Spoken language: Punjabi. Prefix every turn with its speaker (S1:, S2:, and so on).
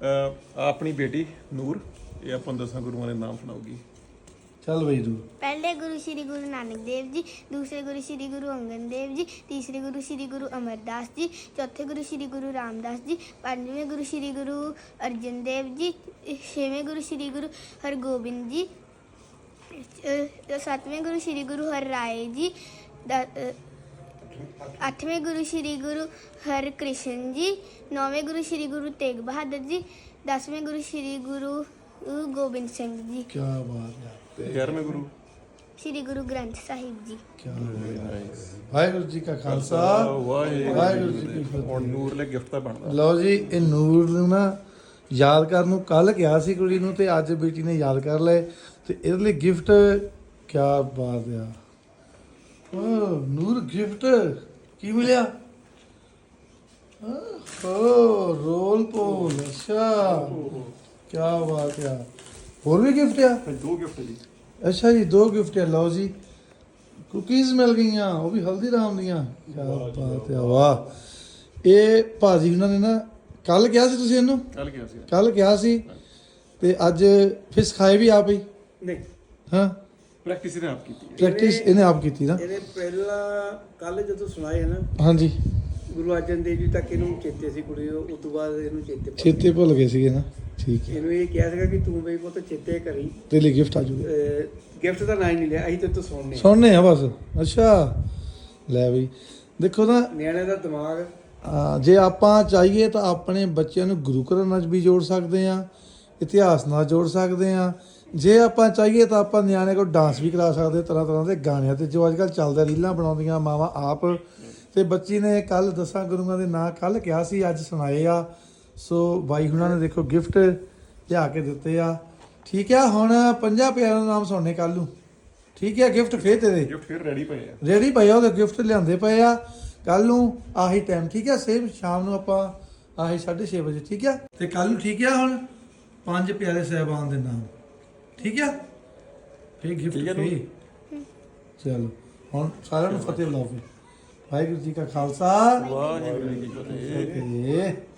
S1: ਆਪਣੀ ਬੇਟੀ ਨੂਰ ਇਹ ਆਪਾਂ 10 ਗੁਰੂਆਂ ਦੇ ਨਾਮ ਸੁਣਾਉਗੀ।
S2: ਚੱਲ ਬਈ ਤੂੰ।
S3: पहले गुरु श्री गुरु नानक देव जी, दूसरे गुरु श्री गुरु अंगद देव जी, तीसरे गुरु श्री गुरु अमरदास जी, चौथे गुरु श्री गुरु रामदास जी, पांचवें गुरु श्री गुरु अर्जन देव जी, छेवें गुरु श्री गुरु हरगोबिंद जी, सातवें गुरु श्री गुरु हरराय जी, आठवें गुरु श्री गुरु हरकृष्ण जी, नौवें गुरु श्री गुरु तेग बहादुर जी, 10वें गुरु श्री गुरु गोबिंद सिंह जी,
S2: ਕੀ ਬਾਤ ਹੈ।
S1: 11ਵੇਂ ਗੁਰੂ
S3: श्री गुरु ग्रंथ साहिब जी।
S2: ਕੀ ਵਾਹਿਗੁਰੂ ਜੀ ਕਾ ਖਾਲਸਾ ਵਾਹਿਗੁਰੂ ਜੀ ਕੀ ਫਤਿਹ।
S1: ਹੁਣ ਨੂਰ ਲਈ ਗਿਫਟ ਤਾਂ ਬਣਦਾ।
S2: ਲਓ ਜੀ, ਇਹ ਨੂਰ ਨੂੰ ਨਾ ਯਾਦ ਕਰਨ ਨੂੰ ਕੱਲ ਕਿਹਾ ਸੀ ਕੁੜੀ ਨੂੰ ਤੇ ਅੱਜ ਬੇਟੀ ਨੇ ਯਾਦ ਕਰ ਲਏ ਤੇ ਇਹਦੇ ਲਈ ਗਿਫਟ ਕੀ ਬਾਤ ਆ। ਓ ਨੂਰ ਗਿਫਟ ਕੀ ਮਿਲਿਆ? ਓ ਰੋਲ ਪੋਲ। ਅੱਛਾ ਕੀ ਬਾਤ ਆ। ਹੋਰ ਵੀ ਗਿਫਟ ਆ?
S1: 2 ਗਿਫਟ ਜੀ।
S2: ਅੱਛਾ ਜੀ 2 ਗਿਫਟ ਆ। ਲਓ ਜੀ ਕੁਕੀਜ਼ ਮਿਲ ਗਈਆਂ, ਉਹ ਵੀ ਹਲਦੀਰਾਮ ਦੀਆਂ। ਕੀ ਬਾਤ ਆ, ਵਾਹ। ਇਹ ਭਾਜੀ ਉਹਨਾਂ ਨੇ ਨਾ ਕੱਲ ਕਿਹਾ ਸੀ, ਤੁਸੀਂ ਇਹਨੂੰ ਕੱਲ ਕਿਹਾ ਸੀ ਤੇ ਅੱਜ ਫਿਰ ਸਿਖਾਏ ਵੀ ਆਪ ਹੀ?
S4: ਨਹੀਂ,
S2: ਹਾਂ
S1: ਪ੍ਰੈਕਟਿਸ ਇਹਨੇ ਆਪ ਕੀਤੀ ਹੈ।
S2: ਪ੍ਰੈਕਟਿਸ ਇਹਨੇ ਆਪ ਕੀਤੀ ਨਾ?
S4: ਇਹਨੇ ਪਹਿਲਾਂ ਕੱਲ ਜਦੋਂ ਸੁਣਾਏ ਨਾ
S2: ਹਾਂਜੀ,
S4: ਗੁਰੂ ਅਰਜਨ ਦੇਵ ਜੀ ਤੱਕ ਇਹਨੂੰ ਚੇਤੇ ਸੀ ਕੁੜੀ, ਉਸ ਤੋਂ ਬਾਅਦ ਇਹਨੂੰ
S2: ਚੇਤੇ ਭੁੱਲ ਗਏ ਸੀਗੇ ਨਾ। ਠੀਕ ਹੈ,
S4: ਇਹਨੂੰ ਇਹ ਕਿਹਾ ਸੀਗਾ ਕਿ ਤੂੰ ਬਈ ਪੁੱਤ ਚੇਤੇ ਕਰੀ।
S2: ਤੇ ਲਈ ਗਿਫਟ ਆ ਜੂਗਾ।
S4: ਗਿਫਟ ਦਾ ਨਾਂ ਹੀ ਨਹੀਂ ਲਿਆ, ਅਸੀਂ ਤੇ ਤੂੰ ਸੁਣਨੇ
S2: ਸੁਣਨੇ ਆ ਬਸ। ਅੱਛਾ ਲੈ ਬਈ, ਦੇਖੋ ਨਾ
S4: ਨਿਆਣੇ ਦਾ ਦਿਮਾਗ।
S2: ਜੇ ਆਪਾਂ ਚਾਹੀਏ ਤਾਂ ਆਪਣੇ ਬੱਚਿਆਂ ਨੂੰ ਗੁਰੂ ਘਰਾਂ ਨਾਲ ਵੀ ਜੋੜ ਸਕਦੇ ਆ, ਇਤਿਹਾਸ ਨਾਲ ਜੋੜ ਸਕਦੇ ਆ। ਜੇ ਆਪਾਂ ਚਾਹੀਏ ਤਾਂ ਆਪਾਂ ਨਿਆਣੇ ਕੋਲ ਡਾਂਸ ਵੀ ਕਰਾ ਸਕਦੇ, ਤਰ੍ਹਾਂ ਤਰ੍ਹਾਂ ਦੇ ਗਾਣਿਆਂ ਤੇ ਜੋ ਅੱਜ ਕੱਲ੍ਹ ਚੱਲਦਾ, ਰੀਲਾਂ ਬਣਾਉਂਦੀਆਂ ਮਾਵਾਂ ਆਪ। ਤੇ ਬੱਚੀ ਨੇ ਕੱਲ 10 ਗੁਰੂਆਂ ਦੇ ਨਾਂ ਕੱਲ ਕਿਹਾ ਸੀ, ਅੱਜ ਸੁਣਾਏ ਆ। ਸੋ ਬਾਈ ਹੁਣਾਂ ਨੇ ਦੇਖੋ ਗਿਫਟ ਲਿਆ ਕੇ ਦਿੱਤੇ ਆ। ਠੀਕ ਆ, ਹੁਣ 50 ਪਿਆਰਿਆਂ ਦਾ ਨਾਮ ਸੁਣਨੇ ਕੱਲ ਨੂੰ। ਠੀਕ ਆ, ਗਿਫਟ ਫੇਰ ਤੇਰੇ
S1: ਗਿਫਟ ਫਿਰ ਰੈਡੀ ਪਏ ਆ।
S2: ਰੈਡੀ ਪਏ ਆ, ਉਹਦੇ ਗਿਫਟ ਲਿਆਂਦੇ ਪਏ ਆ। ਕੱਲ ਨੂੰ ਆਹੀ ਟਾਈਮ, ਠੀਕ ਆ, ਸੇਮ ਸ਼ਾਮ ਨੂੰ ਆਪਾਂ ਆਹੀ 6:30 ਵਜੇ। ਠੀਕ ਆ, ਤੇ ਕੱਲ ਨੂੰ ਠੀਕ ਆ ਹੁਣ 5 ਪਿਆਰੇ ਸਾਹਿਬਾਨ ਦੇ ਨਾਮ। ਠੀਕ ਆ, ਫੇਰ ਗਿਫਟ ਫੇਰ। ਚਲੋ ਹੁਣ ਸਾਰਿਆਂ ਨੂੰ ਫਤਿਹ ਬੁਲਾਓ ਫਿਰ। ਵਾਹਿਗੁਰੂ ਜੀ ਕਾ ਖਾਲਸਾ
S1: ਵਾਹਿਗੁਰੂ ਜੀ ਕੀ ਫਤਿਹ।